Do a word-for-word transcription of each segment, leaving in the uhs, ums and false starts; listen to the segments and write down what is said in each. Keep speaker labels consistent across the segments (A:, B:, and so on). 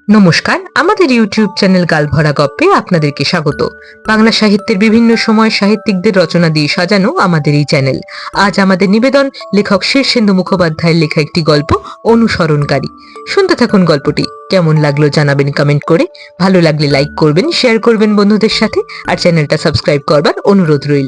A: নমস্কার, আমাদের YouTube channel গালভরা গপ্পে আপনাদেরকে স্বাগত। বাংলা সাহিত্যের বিভিন্ন সময় সাহিত্যিকদের রচনা দিয়ে সাজানো আমাদের এই চ্যানেল। আজ আমাদের নিবেদন লেখক শীর্ষেন্দু মুখোপাধ্যায়ের লেখা একটি গল্প অনুসরণকারী। শুনতে থাকুন গল্পটি। কেমন লাগলো জানাবেন কমেন্ট করে। ভালো লাগলে লাইক করবেন, শেয়ার করবেন বন্ধুদের সাথে, আর চ্যানেলটা সাবস্ক্রাইব করবার অনুরোধ রইল।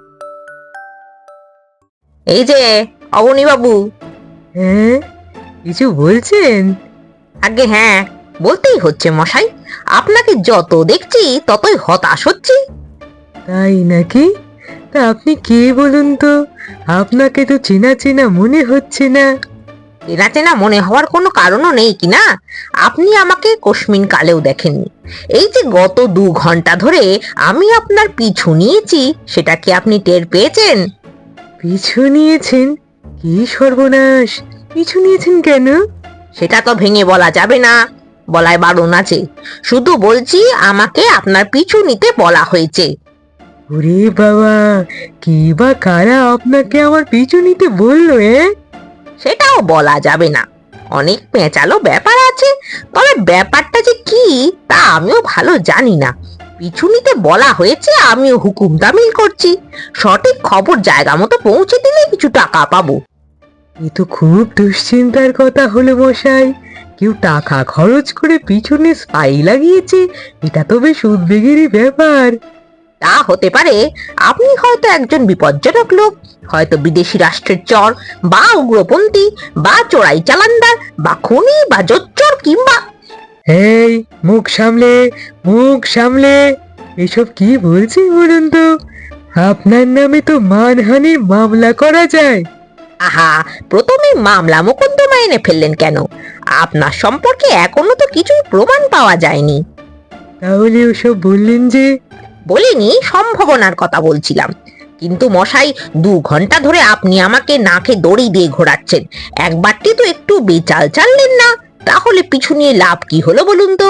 B: এই যে অবনী বাবু।
A: হ্যাঁ, কিছু বলছেন?
B: আগে হ্যাঁ, বলতেই হচ্ছে মশাই। আপনাকে যত দেখছি ততই হতাশ হচ্ছি।
A: তাই নাকি? তা আপনি কে বলুন তো? আপনাকে তো চেনা চেনা মনে হচ্ছে না।
B: চেনা চেনা মনে হওয়ার কোনো কারণও নেই কি না? আপনি আমাকে কোশমিন কালেও দেখেননি। এই যে গত দু ঘন্টা ধরে আমি আপনার পিছু নিয়েছি, সেটা কি আপনি টের পেয়েছেন?
A: পিছু নিয়েছেন? কি সর্বনাশ! পিছু নিয়েছেন কেন?
B: সেটা তো ভেঙে বলা যাবে না, বলায় বারণ আছে। শুধু বলছি আমাকে আপনার পিছু নিতে বলা হয়েছে।
A: ওরে বাবা, কে বা কারা আপনাকে আমার পিছু নিতে বললো? এ
B: সেটাও বলা যাবে না, অনেক পেঁচালো ব্যাপার আছে। তবে ব্যাপারটা যে কি তা আমিও ভালো জানি না। পিছু নিতে বলা হয়েছে, আমিও হুকুম তামিল করছি। সঠিক খবর জায়গা মতো পৌঁছে দিলে কিছু টাকা পাবো।
A: এ তো খুব দুশ্চিন্তার কথা হলো মশাই। কেউ টাকা খরচ করে পিছনে স্পাই লাগিয়েছে, এটা তো বেশ উদ্বেগেরই ব্যাপার।
B: তা হতে পারে। আপনি হয়তো একজন বিপজ্জনক লোক, হয়তো বিদেশি রাষ্ট্রের চর, বা উগ্রপন্থী, বা চোরাই চালানদার, বা খুনি, বা জোচ্চোর, কিংবা
A: এই, মুখ সামলে, মুখ সামলে! এসব কি বলছি বলুন তো? আপনার নামে তো মানহানির মামলা করা যায়।
B: আহা, প্রথমে মামলা মোকদ্দমা এনে ফেললেন কেন? আপনার সম্পর্কে এখনো তো কিছুই প্রমাণ পাওয়া যায়নি।
A: তাহলে ওসব বললেন যে?
B: বলিনি, সম্ভাবনার কথা বলছিলাম। কিন্তু মশাই, দু ঘন্টা ধরে আপনি আমাকে নাকে দড়ি দিয়ে ঘোরাচ্ছেন। একবারটি তো একটু বেচাল চাললেন না। তাহলে পিছু নিয়ে লাভ কি হলো বলুন তো?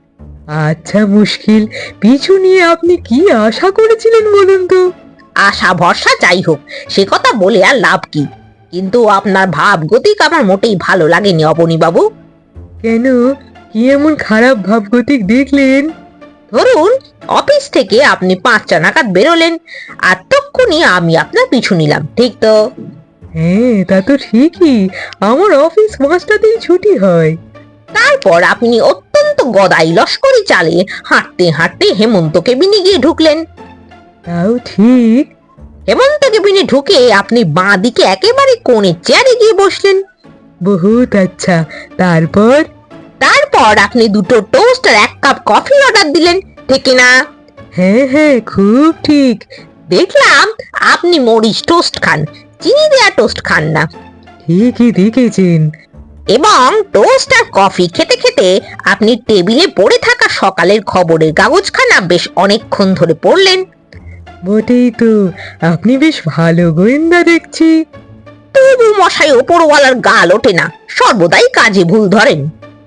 A: আচ্ছা মুশকিল, পিছু নিয়ে আপনি কি আশা করেছিলেন বলুন তো?
B: আশা ভরসা যাই হোক, সে কথা বলে আর লাভ কি? কিন্তু আপনার ভাব গতিক আমার মোটেই ভালো লাগেনি অবনী বাবু।
A: কেন? কি এমন খারাপ ভাবগতিক দেখলেন?
B: ধরুন, অফিস থেকে আপনি পাঁচটা নাগাদ বেরোলেন, আর তক্ষুনি আমি আপনার পিছু নিলাম, ঠিক তো?
A: হ্যাঁ, তা তো ঠিকই। আমার অফিস পাঁচটাতেই ছুটি হয়।
B: তারপর আপনি অত্যন্ত গদাই লস্করি চালে হাঁটতে হাঁটতে হেমন্ত কেবিনে গিয়ে ঢুকলেন।
A: তাও ঠিক।
B: হেমন্ত কেবিনে ঢুকে আপনি বাঁ দিকে একেবারে কোণের চেয়ারে গিয়ে বসলেন।
A: বহুত আচ্ছা। তারপর?
B: তারপর আপনি দুটো টোস্ট আর এক কাপ কফি অর্ডার দিলেন, ঠিক না?
A: হ্যাঁ হ্যাঁ, খুব ঠিক।
B: দেখলাম আপনি মরিচ টোস্ট খান, চিনি দেয়া টোস্ট খান না।
A: ঠিকই দেখেছেন।
B: এবং টোস্ট আর কফি খেতে খেতে আপনি টেবিলে পড়ে থাকা সকালের খবরের কাগজখানা বেশ অনেকক্ষণ ধরে পড়লেন।
A: বটেই তো, আপনি বেশ ভালো গোয়েন্দা দেখছি।
B: তবু মশাই, ওপরওয়ালার গাল ওঠে না, সর্বদাই কাজে ভুল ধরেন।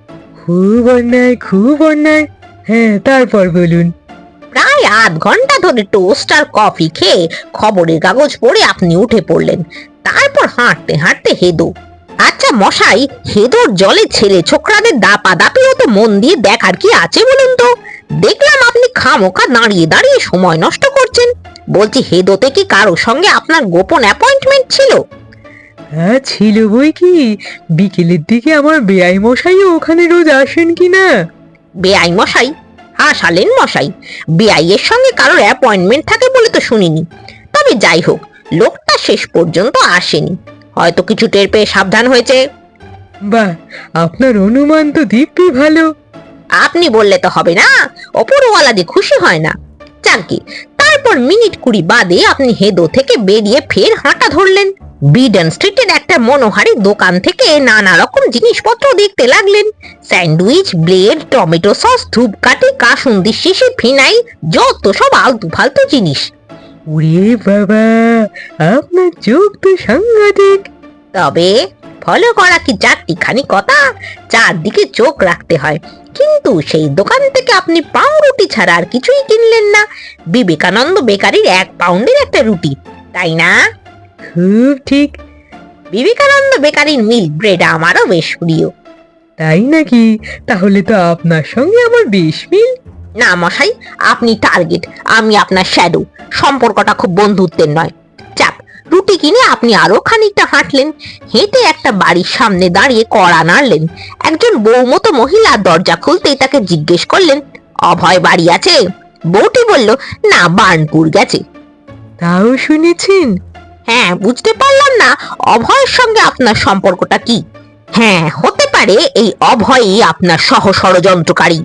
A: খুব অন্যায়, খুব অন্যায়। হ্যাঁ, তারপর বলুন।
B: প্রায় আধ ঘন্টা ধরে টোস্ট আর কফি খেয়ে খবরের কাগজ পড়ে আপনি উঠে পড়লেন। তারপর হাঁটতে হাঁটতে হেদো। আচ্ছা মশাই, হেদোর জলে ছেলে ছোকরাদের দাপাদাপিও তো মন দিয়ে দেখার কি আছে বলুন তো? দেখলাম আপনি খামোখা দাঁড়িয়ে দাঁড়িয়ে সময় নষ্ট করছেন। বলছি, হেদোতে কি কারো সঙ্গে আপনার গোপন অ্যাপয়েন্টমেন্ট ছিল?
A: হ্যাঁ ছিল বই কি। বিকেলের দিকে আমার বেআই মশাইও ওখানে রোজ আসেন কি না।
B: বেআই মশাই? হাসালেন মশাই। বেআইয়ের সঙ্গে কারোর অ্যাপয়েন্টমেন্ট থাকে বলে তো শুনিনি। তবে যাই হোক, লোকটা শেষ পর্যন্ত আসেনি, হয়তো কিছু টের পেয়ে সাবধান হয়েছে।
A: বাহ, আপনার অনুমান তো দিব্যি ভালো।
B: আপনি বললে তো হবে না, ওপরওয়ালা যে খুশি হয় না। যাকে, তারপর মিনিট কুড়ি বাদে আপনি হেদো থেকে বেরিয়ে ফের হাঁটা ধরলেন। বিডন স্ট্রিটের একটা মনোহারি দোকান থেকে নানা রকম জিনিসপত্র দেখতে লাগলেন। স্যান্ডউইচ, ব্লেড, টমেটো সস, ধূপকাঠি, কাসুন্দি শিশি, ফিনাইল, যত সব আলতু ফালতু জিনিস।
A: ওরে বাবা, আপনার চোখ তো সাংঘাতিক।
B: তবে ফলো করা কি চারটিখানি কথা? চারদিকে চোখ রাখতে হয়। কিন্তু সেই দোকান থেকে আপনি পাউরুটি ছাড়া আর কিছুই কিনলেন না। বিবেকানন্দ বেকারির এক পাউন্ডের একটা রুটি, তাই না?
A: খুব ঠিক।
B: বিবেকানন্দ বেকারির মিল্ক ব্রেড আমারও বেশ প্রিয়।
A: তাই নাকি? তাহলে তো আপনার সঙ্গে আমার বেশ মিল।
B: না মশাই, আপনি টার্গেট, আমি আপনার শ্যাডো। সম্পর্কটা খুব বন্ধুত্বের নয়। যাক, রুটি কিনে আপনি আরো খানিকটা হাঁটলেন, হেঁটে একটা বাড়ির সামনে দাঁড়িয়ে কড়া নাড়লেন। একজন বউমতো মহিলা দরজা খুলতেই তাকে জিজ্ঞেস করলেন, অভয় বাড়ি আছে? বউটি বলল, না, বার্নপুর গেছে।
A: তাও শুনেছেন?
B: হ্যাঁ, বুঝতে পারলাম না অভয়ের সঙ্গে আপনার সম্পর্কটা কি। হ্যাঁ, হতে পারে এই অভয়ই আপনার সহ ষড়যন্ত্রকারী।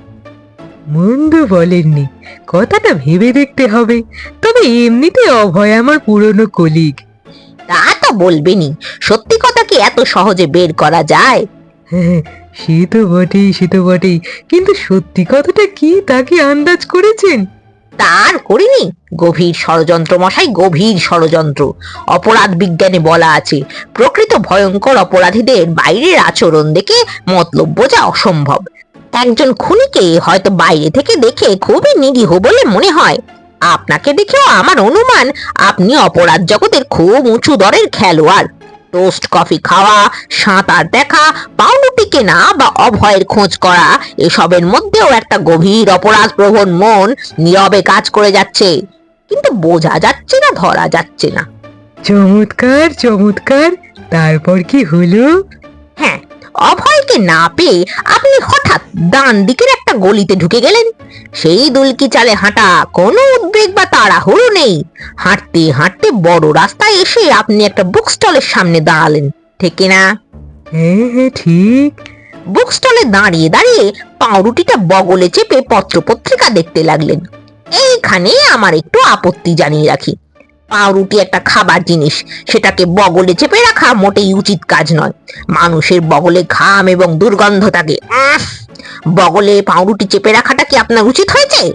A: মন্দ বলেননি, কথাটা ভেবে দেখতে হবে। তবে এমনিতে অভয় আমার পুরনো কলিগ।
B: তা তো বলবেনই, সত্যি কথা কি এত সহজে বের করা যায়?
A: হ্যাঁ, সে তো বটেই, সে তো বটেই, কিন্তু সত্যি কথাটা কি তা কি আন্দাজ করেছেন?
B: তার করিনি। গভীর ষড়যন্ত্র মশাই, গভীর ষড়যন্ত্র। অপরাধ বিজ্ঞানে বলা আছে, প্রকৃত ভয়ঙ্কর অপরাধীদের বাইরের আচরণ দেখে মতলব বোঝা অসম্ভব। একজন খুনিকে হয়তো বাইরে থেকে দেখে খুবই নিরীহ বলে মনে হয়, আপনাকে দেখেও আমার অনুমান আপনি অপরাধ জগতের খুব উঁচু দরের খেলোয়াড়। টোস্ট কফি খাওয়া, সাঁতার দেখা, পাউরুটি কেনা বা অভয়ের খোঁজ করা, এসবের মধ্যেও একটা গভীর অপরাধ প্রবণ মন নীরবে কাজ করে যাচ্ছে, কিন্তু বোঝা যাচ্ছে না, ধরা যাচ্ছে না।
A: চমৎকার চমৎকার, তারপর কি হলো?
B: হ্যাঁ, অভয়কে না পেয়ে আপনি হঠাৎ ডান দিকের একটা গলিতে ঢুকে গেলেন। সেই দুলকি চালে হাঁটা, কোনো উদ্বেগ বা তাড়াহুড়ো নেই। হাঁটতে হাঁটতে বড় রাস্তায় এসে আপনি একটা বুক স্টলের সামনে দাঁড়ালেন, ঠিক না?
A: হ্যাঁ হ্যাঁ, ঠিক।
B: বুক স্টলে দাঁড়িয়ে দাঁড়িয়ে পাউরুটিটা বগলে চেপে পত্রপত্রিকা দেখতে লাগলেন। এইখানে আমার একটু আপত্তি জানিয়ে রাখি, পাউরুটি একটা খাবার জিনিস, সেটাকে বগলে চেপে রাখা মোটেই উচিত কাজ নয়। মানুষের বগলে ঘাম এবং দুর্গন্ধ থাকে। উফ, বগলে পাউরুটি চেপে রাখাটা কি আপনার উচিত হয়েছে?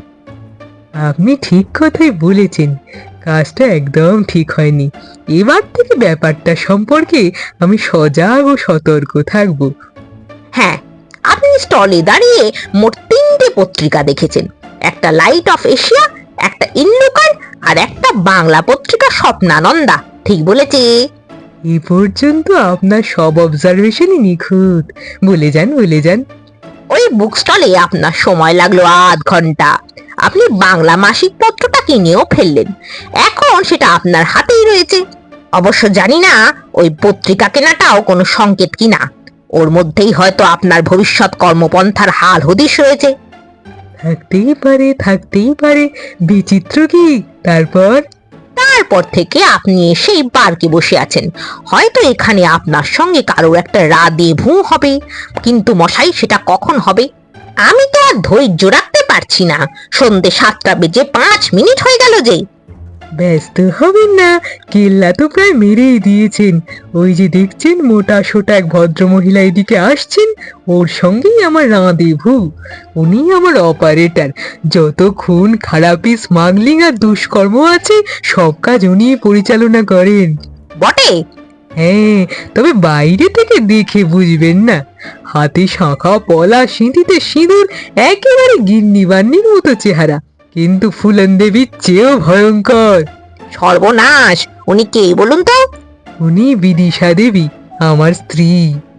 A: আপনি ঠিক কথাই বলেছেন, কাজটা একদম ঠিক হয়নি। এবার থেকে ব্যাপারটা সম্পর্কে আমি সজাগ ও সতর্ক থাকব।
B: হ্যাঁ, আপনি স্টলে দাঁড়িয়ে মোট তিনটে পত্রিকা দেখেছেন, একটা লাইট অফ এশিয়া, একটা ইন্ডোকার, আর একটা বাংলা পত্রিকা স্বপ্নানন্দা। ঠিক বলেছি?
A: এ পর্যন্ত আপনার সব অবজারভেশনই নিখুঁত। বলে যান, বলে যান।
B: ওই বুক স্টলে আপনার সময় লাগলো আধ ঘন্টা। আপনি বাংলা মাসিক পত্রটা কিনেও ফেললেন, এখন সেটা আপনার হাতেই রয়েছে। অবশ্য জানি না ওই পত্রিকা কেনাটাও কোনো সংকেত কিনা, ওর মধ্যেই হয়তো আপনার ভবিষ্যৎ কর্মপন্থার হাল হদিশ রয়েছে।
A: থাকতেই পারে, থাকতেই পারে। বিচিত্র কি? তারপর?
B: তারপর থেকে আপনি সেই পার্কে বসে আছেন, হয়তো এখানে আপনার সঙ্গে কারোর একটা রাতে ভূ হবে, কিন্তু মশাই সেটা কখন হবে আমি তো আর ধৈর্য রাখতে পারছি না। সন্ধে সাতটা বেজে পাঁচ মিনিট হয়ে গেল যে।
A: ব্যস্ত হবেন না, কেল্লা তো প্রায় মেরেই দিয়েছেন। ওই যে দেখছেন মোটা সোটা এক ভদ্র মহিলা এদিকে আসছেন, ওর সঙ্গেই আমার রাঁধেভু। উনি আমার অপারেটর। যত খুন খারাপি, স্মাগলিং আর দুষ্কর্ম আছে, সব কাজ উনি পরিচালনা করেন।
B: বটে?
A: হ্যাঁ, তবে বাইরে থেকে দেখে বুঝবেন না। হাতে শাঁখা পলা, সিঁথিতে সিঁদুর, একেবারে গিন্নি বান্নির মতো চেহারা, কিন্তু ফুলন দেবীর চেয়েও ভয়ঙ্কর।
B: সর্বনাশ, উনি কে বলুন তো?
A: উনি বিদিশা দেবী, আমার স্ত্রী।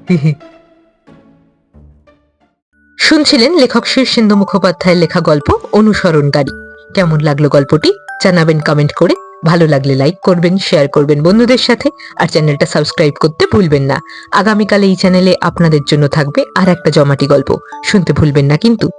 A: শুনছিলেন লেখক শীর্ষেন্দু মুখোপাধ্যায়ের লেখা গল্প অনুসরণকারী। কেমন লাগলো গল্পটি জানাবেন কমেন্ট করে। ভালো লাগলে লাইক করবেন, শেয়ার করবেন বন্ধুদের সাথে, আর চ্যানেলটা সাবস্ক্রাইব করতে ভুলবেন না। আগামীকাল এই চ্যানেলে আপনাদের জন্য থাকবে আর একটা জমাটি গল্প, শুনতে ভুলবেন না কিন্তু।